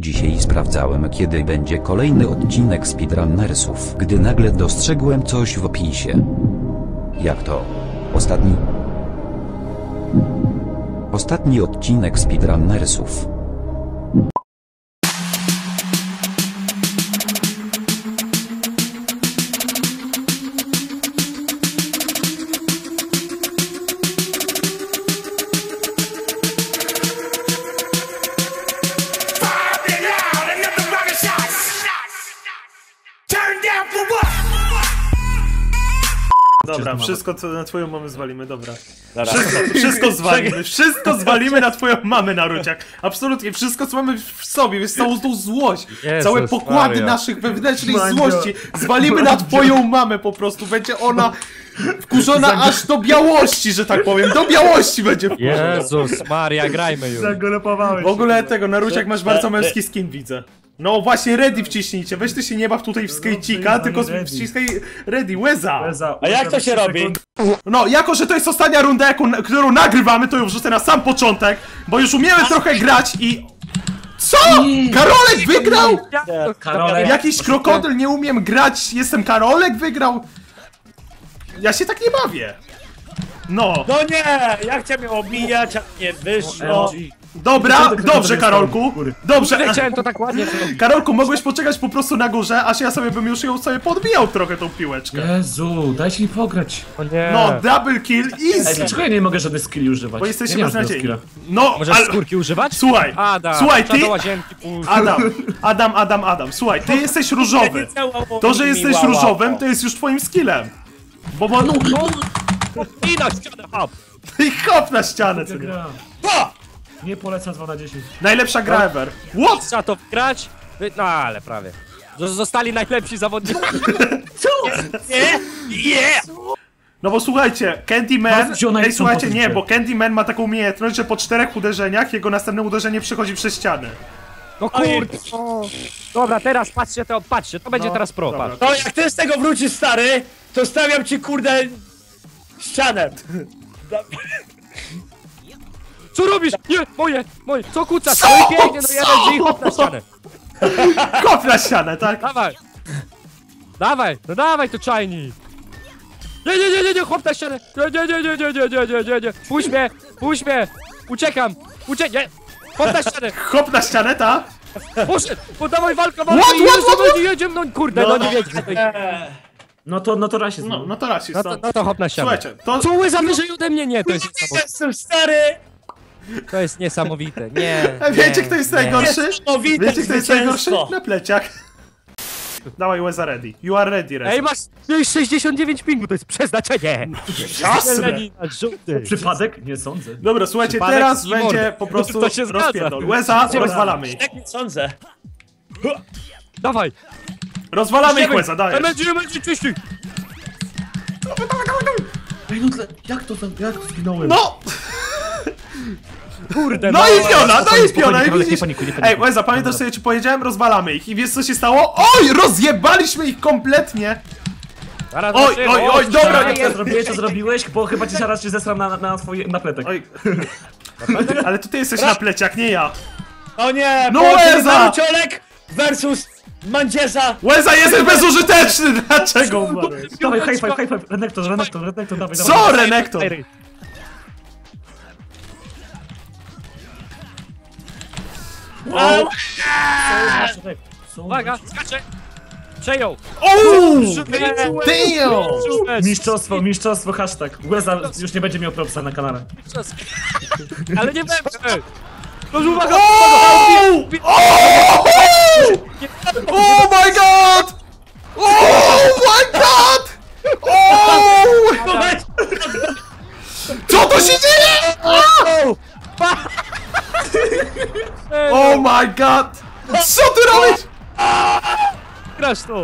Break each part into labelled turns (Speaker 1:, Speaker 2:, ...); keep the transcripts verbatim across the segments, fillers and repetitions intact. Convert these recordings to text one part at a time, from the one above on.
Speaker 1: Dzisiaj sprawdzałem, kiedy będzie kolejny odcinek Speedrunnersów, gdy nagle dostrzegłem coś w opisie. Jak to? Ostatni? Ostatni odcinek Speedrunnersów.
Speaker 2: Dobra, wszystko co na twoją mamę zwalimy, dobra. Wszystko, wszystko zwalimy, wszystko zwalimy na twoją mamę, Naruciak. Absolutnie, wszystko co mamy w sobie, jest całą tą złość. Jezus, całe pokłady Maria. Naszych wewnętrznej Mandzio. Złości zwalimy na twoją mamę po prostu. Będzie ona wkurzona Zag... aż do białości, że tak powiem. Do białości będzie wkurzona.
Speaker 3: Jezus Maria, grajmy już.
Speaker 2: W ogóle tego, Naruciak, masz bardzo męski skin, widzę. No właśnie, ready wciśnijcie, weź ty się nie baw tutaj w skejcika, tylko wciskaj ready, Łeza!
Speaker 4: A jak to się robi?
Speaker 2: No, jako że to jest ostatnia runda, jaką, którą nagrywamy, to ją wrzucę na sam początek, bo już umiemy trochę grać i... Co?! Karolek wygrał?!
Speaker 4: Karolek?
Speaker 2: Jakiś krokodyl, nie umiem grać, jestem Karolek wygrał?! Ja się tak nie bawię! No!
Speaker 4: No nie! Ja chciałem ją obijać, a nie wyszło!
Speaker 2: Dobra, dobrze Karolku, dobrze.
Speaker 3: Nie chciałem to tak ładnie.
Speaker 2: Karolku, mogłeś poczekać po prostu na górze, aż ja sobie bym już ją sobie podbijał trochę tą piłeczkę.
Speaker 5: Jezu, dajcie mi pograć.
Speaker 3: O nie.
Speaker 2: No, double kill, easy.
Speaker 5: Ej, dlaczego ja nie mogę żadnych skilli używać?
Speaker 2: Bo jesteście
Speaker 5: ja
Speaker 2: beznadziejni. No,
Speaker 3: możesz
Speaker 2: ale...
Speaker 3: skórki używać?
Speaker 2: Słuchaj,
Speaker 3: Adam,
Speaker 2: słuchaj, ty...
Speaker 3: łazienki,
Speaker 2: Adam, Adam, Adam, Adam, słuchaj, ty jesteś różowy. To, że jesteś różowym, to jest już twoim skillem. Bo bo...
Speaker 3: No, no. I na ścianę, hop.
Speaker 2: I hop na ścianę, co nie?
Speaker 5: Nie polecam dwa na dziesięć.
Speaker 2: Najlepsza gra ever. What?
Speaker 3: Trzeba to wgrać? No ale prawie. Zostali najlepsi zawodnicy.
Speaker 4: Co? Nie? Nie!
Speaker 2: No bo słuchajcie, Candyman... Ej, słuchajcie, nie, bo Candyman ma taką umiejętność, że po czterech uderzeniach jego następne uderzenie przechodzi przez ścianę.
Speaker 3: No kurde. Dobra, teraz patrzcie to, patrzcie, to będzie
Speaker 2: no,
Speaker 3: teraz pro,
Speaker 2: dobra.
Speaker 3: patrz.
Speaker 4: To jak ty z tego wrócisz, stary, to stawiam ci, kurde, ścianę.
Speaker 3: Co robisz? Nie, moje, moje, co kucasz? Co? No i pięknie, no jeden drzwi, hop na ścianę.
Speaker 2: Hop na ścianę, tak?
Speaker 3: Dawaj. Dawaj, no dawaj to czajnik. Nie, nie, nie, nie, nie, hop na ścianę. Nie, nie, nie, nie, nie, nie, nie, nie, nie, nie. Puść mnie, puść mnie. Uciekam, uciekam, nie. Hop na ścianę.
Speaker 2: Hop na ścianę, ta?
Speaker 3: Poszedł, podawaj walkę, walkę
Speaker 2: What,
Speaker 3: i
Speaker 2: what, what, what?
Speaker 3: jedziemy, no kurde, no nie wiecie.
Speaker 5: No to, no to rasizm.
Speaker 2: No, no to rasizm.
Speaker 3: No to, no to hop na ścianę.
Speaker 2: Słuchajcie, to...
Speaker 3: Co łyza wyżej ode mnie? Nie, to jest niesamowite.
Speaker 4: Jestem stary!
Speaker 3: To jest niesamowite, nie.
Speaker 2: A wiecie
Speaker 3: nie,
Speaker 2: kto jest
Speaker 3: nie.
Speaker 2: najgorszy?
Speaker 4: Niesamowite
Speaker 2: Wiecie kto jest najgorszy?
Speaker 4: zwycięstwo.
Speaker 2: Na pleciach. Dawaj, Łeza ready. You are ready, Reza.
Speaker 3: Ej, masz sześćdziesiąt dziewięć pingu, to jest przeznaczenie.
Speaker 2: Jasne.
Speaker 3: Żółty.
Speaker 5: Przypadek? Nie sądzę.
Speaker 2: Dobra, słuchajcie,
Speaker 3: Przypadek
Speaker 2: teraz
Speaker 3: i
Speaker 2: będzie
Speaker 3: mordę.
Speaker 2: po prostu
Speaker 3: To się zgadza.
Speaker 2: rozpierdol. Łeza, rozwalamy ich.
Speaker 4: Tak nie sądzę.
Speaker 3: Dawaj.
Speaker 2: Rozwalamy ich, Łeza, dajesz.
Speaker 3: Emergy, emergy, czyści.
Speaker 5: Ej, no tle, jak to tam, jak to zginąłem?
Speaker 2: No!
Speaker 3: Kurde,
Speaker 2: No i piona, no i piona, i
Speaker 5: Spokojnie,
Speaker 2: widzisz?
Speaker 5: nie panikuj, nie panikuj.
Speaker 2: Ej, Łeza, pamiętasz co ja ci powiedziałem? Rozwalamy ich. I wiesz co się stało? Oj, rozjebaliśmy ich kompletnie!
Speaker 3: Zaraz
Speaker 2: Oj,
Speaker 3: zobaczymy.
Speaker 2: oj, oj, dobra,
Speaker 3: nie
Speaker 5: Co zrobiłeś, co zrobiłeś? Bo chyba ci zaraz się zesram na, na twój napletek.
Speaker 2: Oj. Ale to ty jesteś na pleciach, nie ja.
Speaker 4: O nie!
Speaker 2: No
Speaker 4: połączenie
Speaker 2: Łeza!
Speaker 4: Naruciolek versus Mandzieza!
Speaker 2: Łeza, jesteś bezużyteczny! Dlaczego umarłeś?
Speaker 5: Dawaj, high five, high five, Renektor, Renektor, Renektor, dawaj, dawaj.
Speaker 2: Co, Renektor?
Speaker 4: Wow.
Speaker 3: Uwaga, skacze. Przejął.
Speaker 2: Ooo!
Speaker 3: Damn.
Speaker 2: Damn!
Speaker 5: Mistrzostwo, mistrzostwo, hashtag. Łeza już nie będzie miał propsa na kanale.
Speaker 3: Ale nie będzie. No uwaga,
Speaker 2: Oh! Oh! Oh my god! Oh my god! Oh! Co to się dzieje? Oh my god! Co ty robisz?
Speaker 3: Grasz to.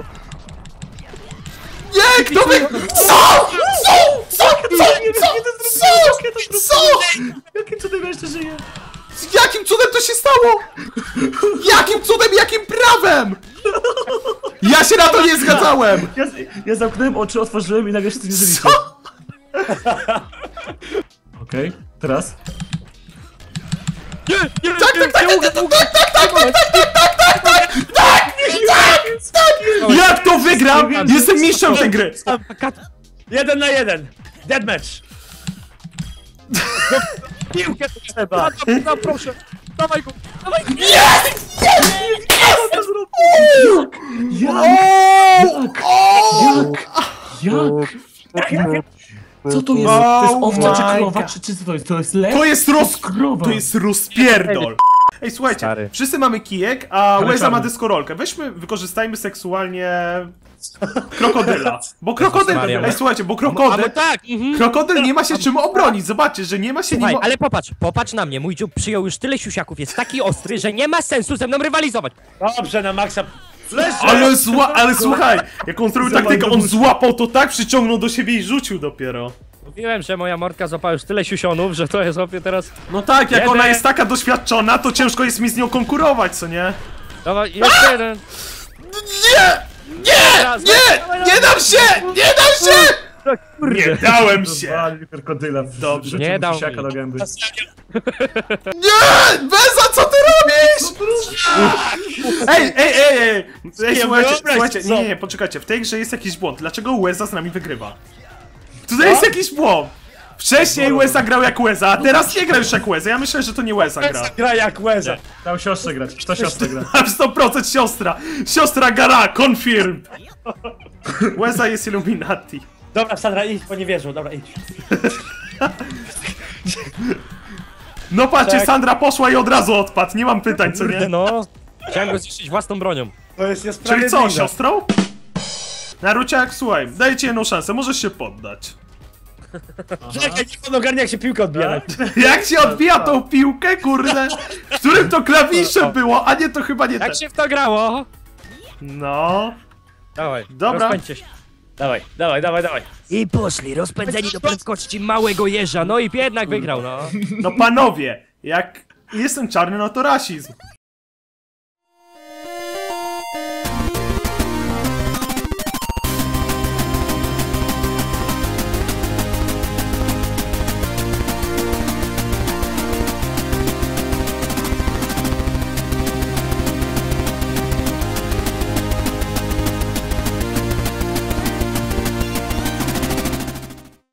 Speaker 2: Nie, kto wy... Co? Co? Co? Co? Co? Co? Co?
Speaker 5: Jakim cudem ja jeszcze żyję?
Speaker 2: Jakim cudem to się stało? Jakim cudem, jakim prawem? Ja się na to nie zgadzałem!
Speaker 5: Ja, ja zamknąłem oczy, otworzyłem i nagle się tu nie żyliście.
Speaker 2: Co?
Speaker 5: Okej, okay, teraz.
Speaker 3: Nie, nie,
Speaker 2: Tak, tak, tak, tak, tak, tak, tak, tak, tak, tak, tak, Wygrywam! Jestem mistrzem tej gry!
Speaker 4: Jeden na jeden. Deadmatch.
Speaker 3: Piłkę trzeba! No proszę! Dawaj go! Dawaj go!
Speaker 5: Jak? Jak? Co to jest? To jest owca czy krowa? Czy, czy co to jest? To jest lew?
Speaker 2: To jest roz...
Speaker 5: krowa.
Speaker 2: To jest rozpierdol! Ej, słuchajcie,
Speaker 3: Stary.
Speaker 2: wszyscy mamy kijek, a Łeza
Speaker 5: czarny.
Speaker 2: ma deskorolkę. Weźmy, wykorzystajmy seksualnie... krokodyla. Bo krokodyl...
Speaker 3: Maria.
Speaker 2: Ej, słuchajcie, bo
Speaker 3: A
Speaker 2: krokodyl...
Speaker 3: no tak! Mhm.
Speaker 2: Krokodyl nie ma się czym obronić, zobaczcie, że nie ma się
Speaker 3: Słuchaj,
Speaker 2: nim...
Speaker 3: ale popatrz, popatrz na mnie, mój dziób przyjął już tyle siusiaków, jest taki ostry, że nie ma sensu ze mną rywalizować.
Speaker 4: Dobrze, na maksa. Leży.
Speaker 2: Ale zła... ale słuchaj, jak on zrobił taktykę, on złapał to tak, przyciągnął do siebie i rzucił dopiero.
Speaker 3: Mówiłem, że moja morka złapała już tyle siusionów, że to jest opie teraz...
Speaker 2: No tak, jak
Speaker 3: Jeden.
Speaker 2: ona jest taka doświadczona, to ciężko jest mi z nią konkurować, co nie?
Speaker 3: Dawaj, jeszcze jeden.
Speaker 2: Nie! Nie!
Speaker 3: Raz,
Speaker 2: Nie!
Speaker 3: dawaj,
Speaker 2: Nie dam się! Nie dam się! Nie dałem się!
Speaker 5: Zwalił krokodyla.
Speaker 2: Dobrze.
Speaker 5: Rzucił
Speaker 3: Nie
Speaker 5: mu
Speaker 3: dał
Speaker 5: pisiaka
Speaker 3: mi.
Speaker 5: do gęby.
Speaker 2: Nie! Beza, co ty robisz? Ej, ej, ej, ej! Ej, słuchajcie,
Speaker 4: wyobraź
Speaker 2: słuchajcie,
Speaker 4: co?
Speaker 2: nie, nie, poczekajcie, w tej grze jest jakiś błąd. Dlaczego Łeza z nami wygrywa? Tutaj jest jakiś błąd! Wcześniej Łeza grał jak Łeza, a teraz nie gra już jak Łeza. Ja myślę, że to nie Łeza gra.
Speaker 4: Gra jak łeza.
Speaker 5: Dał siostrze grać. To siostra gra.
Speaker 2: A w sto procent siostra! Siostra Gara, confirmed! Łeza jest Illuminati.
Speaker 4: Dobra, Sandra, idź, bo nie wierzą. Dobra, idź.
Speaker 2: No patrzcie,
Speaker 4: Tak.
Speaker 2: Sandra poszła i od razu odpadł, nie mam pytań, co
Speaker 3: Kurde
Speaker 2: nie?
Speaker 3: no. Chciałem go zniszczyć własną bronią.
Speaker 4: To jest
Speaker 2: Czyli
Speaker 4: niesprawiedliwe.
Speaker 2: co, siostrą? Naruciak, słuchaj, daję ci jedną szansę, możesz się poddać.
Speaker 4: Czekaj, niech on ogarnia, jak się piłka odbija.
Speaker 2: Jak się odbija tą piłkę, kurde? W którym to klawisze było, a nie, to chyba nie ten.
Speaker 3: Jak się w to grało?
Speaker 2: No...
Speaker 3: Dawaj,
Speaker 2: Dobra.
Speaker 3: rozpędźcie się.
Speaker 4: Dawaj, dawaj, dawaj, dawaj.
Speaker 3: I poszli, rozpędzeni do prędkości małego jeża, no i jednak wygrał, no.
Speaker 2: No panowie, jak jestem czarny, no to rasizm.